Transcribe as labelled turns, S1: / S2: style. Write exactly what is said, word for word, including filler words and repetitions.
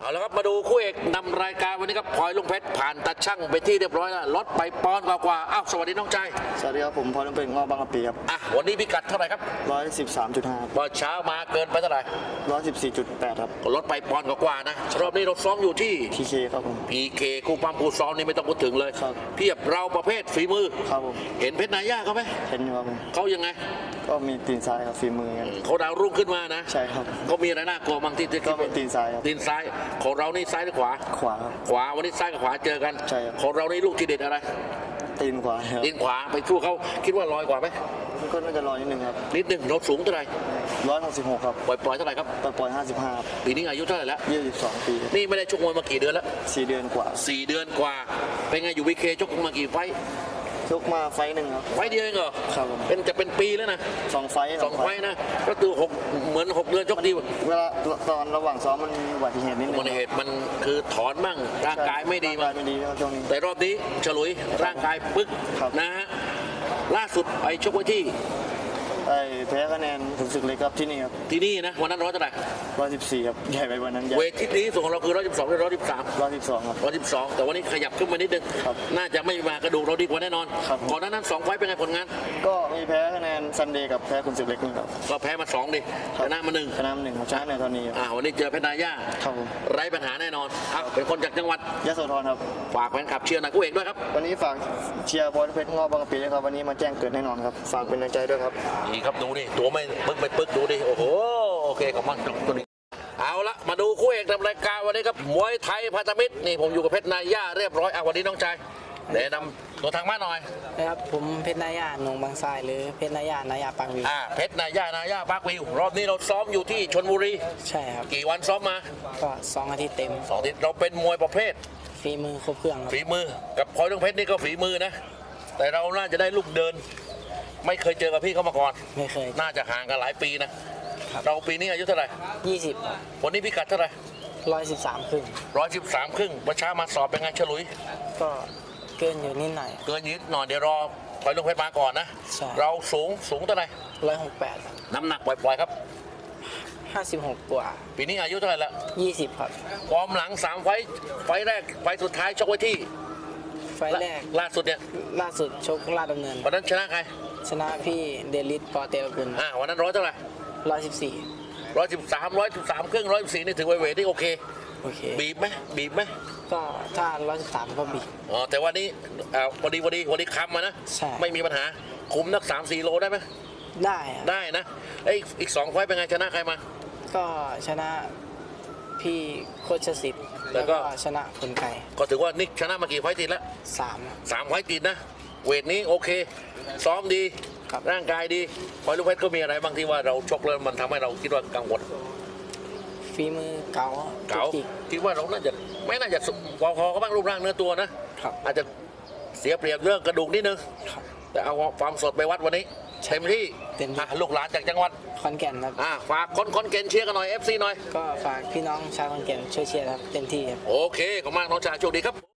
S1: เอาละครับมาดูคู่เอกนำรายการวันนี้ครับพลอยลุงเพชรผ่านตัดช่างไปที่เรียบร้อยแล้วลดไปปอนด์กว่าๆอ้าวสวัสดีน้องใจ
S2: สวัสดีครับผมพลอยลุงเพชรงอบางกะปิครับ
S1: อ่ะวันนี้พิกัดเท่าไหร่ครับ
S2: ร้อยสิบสามจุดห้า
S1: พอเช้ามาเกินไปเท่าไหร่
S2: ร้อยสิบสี่จุดแปดครับ
S1: ลดไปปอนด์กว่าๆนะรอบนี้เราซ้อมอยู่ที่
S2: พีเคครับผม
S1: พีเคคู่ปั้มคู่ซ้อมนี่ไม่ต้องพูดถึงเลยเพียบเราประเภทฝีมือ
S2: ครับผม
S1: เห็นเพชรนายย่าเขาไหม
S2: เห็นครับผม
S1: เขายังไง
S2: ก็มีตีนซ้ายครับฝีมือกัน
S1: เขาดาวรุ่งขึ้นมานะ
S2: ใช่ครับ
S1: เขามีอะไรน่ากลัวบางที่
S2: ก็เป็นตีนซ้ายครับ
S1: ตีนซ้ายของเรานี่ซ้ายหรือขวา
S2: ขวาครับ
S1: ขวาวันนี้ซ้ายกับขวาเจอกัน
S2: ใช่ครับ
S1: ของเรานี่ลูกทีเด็ดอะไร
S2: ตีนขวาครับ
S1: ตีนขวาไปสู้เขาคิดว่าลอยกว่าไหม
S2: ก็น่าจะลอยนิดนึงครับ
S1: นิดนึงเราสูงเท่าไหร่
S2: ร้อยหกสิบหกครับ
S1: ปล่อยปล่อยเท่าไหร่ครับ
S2: ปล่อยปล่อยห้าสิบห้า
S1: ปีนี้อายุเท่าไหร่แล้ว
S2: ยี่สิบสองปี
S1: นี่ไม่ได้ชกมวยมากี่เดือนแล้ว
S2: สี่เดือนกว่า
S1: สี่เดือนกว่าเป็นไงอยู่วีเคชกมากี่ไฟ
S2: ชกมาไฟหนึ่งครับ
S1: ไฟเดียวเองเหรอ
S2: ครับผม
S1: เป็นจะเป็นปีแล้วนะ
S2: สองไฟ
S1: สองไฟนะก็คือหกเหมือนหกเดือนชกดี
S2: เวลาตอนระหว่างซ้อมมันอุบัติเหตุนิดนึง
S1: อุบัติเหตุมันคือถอนบ้างร่างกายไม่ดี
S2: มาไม่ดีช่วงนี้
S1: แต่รอบนี้ฉลุยร่างกายปึ๊กนะฮะล่าสุดไปชกไว้ที่
S2: ไอ้แพ้คะแนนถึงศึกเล็กครับที่นี่ครับ
S1: ที่นี่นะวันนั้นร้อยเท่าไหร่
S2: ร้อยสิบสี่ครับใหญ่ไปวันนั้น
S1: เวทที่ดีสุดของเราคือร้อยสิบสองหรือร้อยสิบสาม
S2: ร้อยสิบสองครับ
S1: ร้อยสิบสองแต่วันนี้ขยับขึ้นมานิดนึงน่าจะไม่มากระดูกเราดีกว่าแน่นอนก่อนหน้านั้นสองไฟเป็นไงผลงาน
S2: ก็มีแพ้คะแนนซันเดย์กับแพ้คุณศึกเล็กนี่ครับ
S1: ก็แพ้มาสองดิชนะมาหนึ่ง
S2: ชนะมาหนึ่งครับชนะในตอนนี้
S1: อ่าวันนี้เจอเพชรนายา
S2: ครับ
S1: ไร้ปัญหาแน่นอนครับเป็นคนจากจังหวัด
S2: ยโสธรครับ
S1: ฝากแฟนคลับเชียร์หน่อยคู่เอกด้วยครับ
S2: วันนี้ฝากเชียร์พลเพชรงอบางกะปิด้วยครับวันนี้มาแจ้งเกิดแน่นอนครับฝากเป็นกำลังใจด้วยครับ
S1: ดีครับดูดิตัวไม่ปึ๊กไม่ปึ๊กดูดิโอ้โหโอเคขอบคุณตัวนี้เอาละมาดูคู่เอกนำรายการวันนี้ครับมวยไทยพันธมิตรนี่ผมอยู่กับเพชรนายาเรียบร้อยอ่ะวันนี้น้องชายแนะนำตัวทางบ้านหน่อย
S3: นะครับผมเพชรนายาหนองบางทรายหรือเพชรนายานายาปางวิว
S1: อ่าเพชรนายานายาปางวิวรอบนี้เราซ้อมอยู่ที่ชลบุรี
S3: ใช่ครับ
S1: กี่วันซ้อมมา
S3: ก็สองอาทิตย์เต็ม
S1: สองอาทิตย์เราเป็นมวยประเภท
S3: ฝีมือครบเครื่อง
S1: ฝีมือกับพลอยลุงเพชรนี่ก็ฝีมือนะแต่เราน่าจะได้ลูกเดินไม่เคยเจอกับพี่เขามาก่อน
S3: ไม่เคย
S1: น่าจะห่างกันหลายปีนะเราปีนี้อายุเท่าไหร่
S3: ยี่สิบ
S1: วันนี้พิกัดเท่าไหร่
S3: ร้อยสิบสามครึ่ง
S1: ร้อยสิบสามครึ่งประชามาสอบเป็นไงฉลุย
S3: ก็เกินอยู่นิดหน่อย
S1: เกินนิดหน่อยเดี๋ยวรอพลอยลุงเพชรมาก่อนนะเราสูงสูงเท่าไหร่
S3: ร้อยหกแปด
S1: น้ำหนักปล่อยๆครับ
S3: ห้าสิบหกกว่า
S1: ปีนี้อายุเท่าไหร่ละ
S3: ยี่สิบครับ
S1: ฟอร์มหลังสามไฟไฟแรกไฟสุดท้ายชกไว้ที่
S3: ไฟแรก
S1: ล่าสุดเนี่ย
S3: ล่าสุดชกลาดดำเนิน
S1: วันนั้นชนะใคร
S3: ชนะพี่เดลิสปอเตลกุล
S1: อ่าวันนั้นร้อยเท่าไหร่
S3: ร้อยสิบสี่
S1: ร้อยสิบสามร้อยสิบสามครึ่งร้อยสิบสี่นี่ถือว่าเวทที่โอเค
S3: โอเค
S1: บีบไหมบีบไหม
S3: ก็ถ้าร้อยสิบสามก็บีบ
S1: อ๋อแต่วันนี้อ่าพอดีพอดีวันนี้คำมานะ
S3: ใช่
S1: ไม่มีปัญหาคุมนักสามสี่โลได้ไหม
S3: ได้
S1: ได้นะไอ้อีกสองไฟเป็นไงชนะใครมา
S3: ก็ชนะพี่โคชสิทธิ์แล้วก็ชนะคนไก่
S1: ก็ถือว่านิกชนะมากี่ไฟติดแล้ว
S3: สาม
S1: สามไฟติดนะเวทนี้โอเคซ้อมดีร่างกายดีพลอยลุงเพชรก็มีอะไรบางที่ว่าเราชกแล้วมันทำให้เราคิดว่ากังวล
S3: ฝีมือเก่า
S1: เก่าคิดว่าเราน่าจะไม่น่าจะพอคอก็บ้างรูปร่างเนื้อตัวนะอาจจะเสียเปรียบเรื่องกระดูกนิดนึงแต่เอาความสดไปวัดวันนี้เต็มที่ลูกหลานจากจังหวัด
S3: ขอนแก่นครับ
S1: ฝากคนขอนแก่นเชียร์กันหน่อย เอฟ ซี หน่อย
S3: ก็ฝากพี่น้องชาวขอนแก่นช่วยเชียร์ครับเต็มที่ครับ
S1: โอเคขอบคุณมากน้องชายโชคดีครับ